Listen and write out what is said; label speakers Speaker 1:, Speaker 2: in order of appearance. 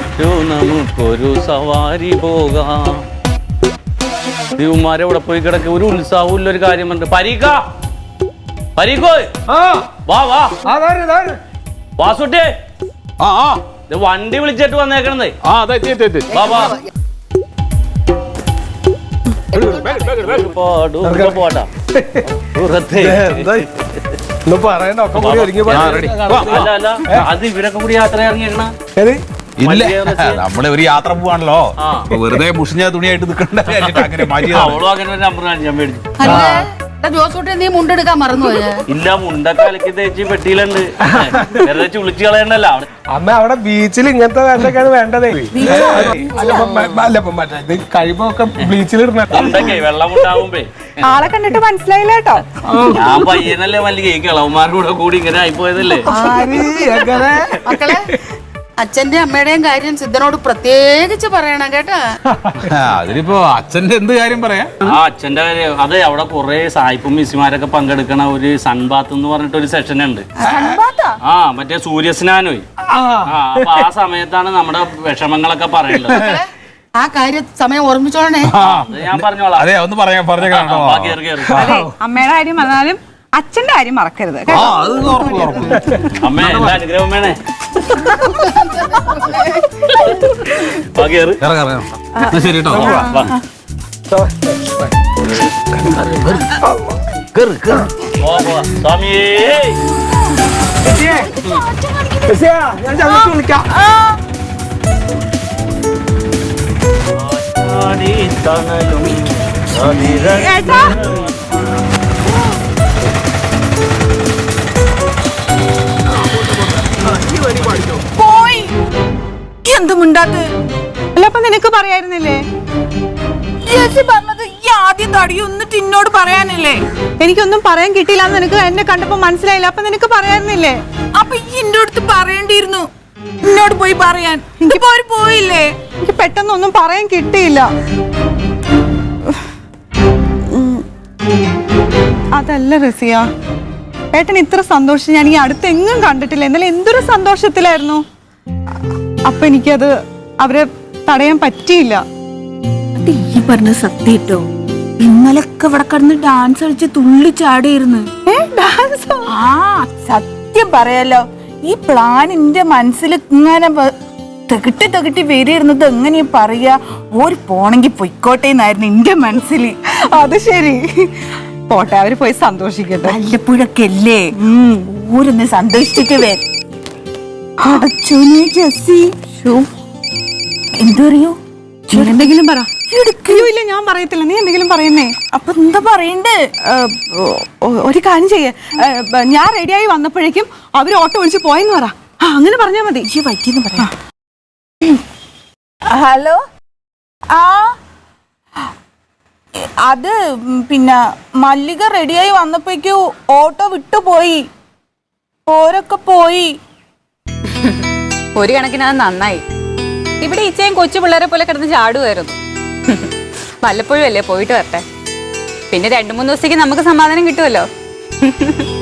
Speaker 1: നമുക്കൊരു സവാരി പോകാം. ദേവന്മാരെ ഇവിടെ പോയി കിടക്ക ഒരു ഉത്സാഹവും ഇല്ല. ഒരു കാര്യം പറഞ്ഞിട്ട് പരീക്കോ വാ വാ വാസുട്ടേ വണ്ടി വിളിച്ചിട്ട് വന്നേക്കണേ. പോട്ടാ അല്ല അത് ഇവരൊക്കെ കൂടി യാത്ര ഇറങ്ങിയേക്കണ.
Speaker 2: നമ്മള് ഒരു യാത്ര പോവാണല്ലോ, വെറുതെ മുഷിഞ്ഞ തുണിയായിട്ട് നിൽക്കണ്ട.
Speaker 1: അവളും അങ്ങനെ ഒരു നമ്പർ ഞാൻ മേടിച്ചു.
Speaker 3: ജോസൂട്ടി നീ മുണ്ടെടുക്കാൻ മറന്നുപോയ?
Speaker 1: ഇല്ല, മുണ്ടൊക്കെ അലക്കി തേച്ച് പെട്ടിയിലുണ്ട്. വെറുതെ ചുളിച്ച് കളയണ്ടല്ലോ.
Speaker 4: അമ്മ അവിടെ ബീച്ചിൽ ഇങ്ങനത്തെ വേണ്ടൊക്കെയാണ് വേണ്ടതേ. കഴിവൊക്കെ ബീച്ചിൽ
Speaker 1: മുണ്ടൊക്കെ വെള്ളം ഉണ്ടാവുമ്പേ
Speaker 5: ആളെ കണ്ടിട്ട് മനസ്സിലായില്ല കേട്ടോ.
Speaker 1: ഞാൻ പയ്യനല്ലേ മല്ലിക, ഈ കിളവന്മാരുടെ കൂടി ഇങ്ങനെ ആയിപ്പോയതല്ലേ.
Speaker 3: മക്കളെ, അച്ഛന്റെ അമ്മയുടെയും കാര്യം സിദ്ധനോട് പ്രത്യേകിച്ച് പറയണം കേട്ടാ.
Speaker 2: അതിനിപ്പോ അച്ഛന്റെ എന്ത് കാര്യം പറയാ?
Speaker 1: അച്ഛന്റെ കാര്യം അതെ, അവിടെ കുറെ സായിപ്പും മിസ്സിമാരൊക്കെ പങ്കെടുക്കണ ഒരു സൺബാത്ത് എന്ന് പറഞ്ഞിട്ട് ഒരു സെഷൻ ഉണ്ട്. മറ്റേ സൂര്യസ്നാനോ. അപ്പൊ ആ സമയത്താണ് നമ്മുടെ വിഷമങ്ങളൊക്കെ പറയേണ്ടത്.
Speaker 3: ആ കാര്യം സമയം ഓർമ്മിച്ചോളണേ.
Speaker 1: ഞാൻ പറഞ്ഞോളാം.
Speaker 2: അതെ, ഒന്ന് പറയാ
Speaker 5: അമ്മയുടെ കാര്യം പറഞ്ഞാലും അച്ഛന്റെ കാര്യം മറക്കരുത്.
Speaker 1: അമ്മേ, എല്ലാ അനുഗ്രഹം വേണേ.
Speaker 2: ശരി കേട്ടോ.
Speaker 4: വിളിക്കാം.
Speaker 5: പോയി എന്ത് മിണ്ടാത്ത? അല്ല, അപ്പൊ നിനക്ക് പറയായിരുന്നില്ലേ? പറഞ്ഞത് ഈ ആദ്യം തടിയും എന്നിട്ട് എന്നോട് പറയാനില്ലേ? എനിക്കൊന്നും പറയാൻ കിട്ടിയില്ല. നിനക്ക് എന്നെ കണ്ടപ്പോ മനസ്സിലായില്ല. അപ്പൊ നിനക്ക് പറയായിരുന്നില്ലേ? അപ്പൊ ഈ എന്റെ അടുത്ത് പറയേണ്ടിയിരുന്നു, എന്നോട് പോയി പറയാൻ. എനിക്ക് പോയില്ലേ? എനിക്ക് പെട്ടെന്നൊന്നും പറയാൻ കിട്ടിയില്ല. അതല്ല റസിയ, ഏട്ടൻ ഇത്ര സന്തോഷം ഞാൻ ഈ അടുത്തെങ്ങും കണ്ടിട്ടില്ല. എന്നാലും എന്തൊരു സന്തോഷത്തിലായിരുന്നു. അപ്പൊ എനിക്കത് അവരെ തടയാൻ പറ്റിയില്ല.
Speaker 6: ഈ പറഞ്ഞ സത്യം. ഇന്നലൊക്കെ ഇവിടെ കിടന്ന് ഡാൻസ് കളിച്ച് തുള്ളിച്ചാടിയിരുന്നു. ആ സത്യം പറയാലോ, ഈ പ്ലാൻ എന്റെ മനസ്സിൽ ഇങ്ങനെ തെകിട്ടി വരിയിരുന്നത്. എങ്ങനെയാ പറയാ, ഓര് പോണെങ്കി പൊയ്ക്കോട്ടെ എന്നായിരുന്നു എന്റെ മനസ്സിൽ.
Speaker 5: അത് ശരി, പോട്ടെ, അവര് പോയി സന്തോഷിക്കട്ടെ.
Speaker 6: വല്ലപ്പോഴൊക്കെ അല്ലേ ഊരൊന്ന് സന്തോഷിച്ചിട്ട് എന്തോ അറിയോ?
Speaker 5: എന്തെങ്കിലും പറ. ഇല്ല, ഞാൻ പറയത്തില്ല. നീ എന്തെങ്കിലും പറയുന്നേ.
Speaker 6: അപ്പൊ എന്താ പറയണ്ടേ?
Speaker 5: ഒരു കാര്യം ചെയ്യേ, ഞാൻ റെഡിയായി വന്നപ്പോഴേക്കും അവര് ഓട്ടോ വിളിച്ച് പോയെന്ന് പറ. അങ്ങനെ പറഞ്ഞാ മതി.
Speaker 6: പറ്റിയെന്ന് പറയാ. ഹലോ, അത് പിന്നെ മല്ലിക റെഡിയായി വന്നപ്പോഴേക്കും ഓട്ടോ വിട്ടുപോയി. ഓരൊക്കെ പോയി.
Speaker 7: ഒരു കണക്കിന് അത് നന്നായി. ഇവിടെ ഈച്ചയും കൊച്ചു പിള്ളേരെ പോലെ കിടന്ന് ചാടുമായിരുന്നു. വല്ലപ്പോഴും അല്ലേ പോയിട്ട് വരട്ടെ. പിന്നെ 2-3 ദിവസത്തേക്ക് നമുക്ക് സമാധാനം കിട്ടുമല്ലോ.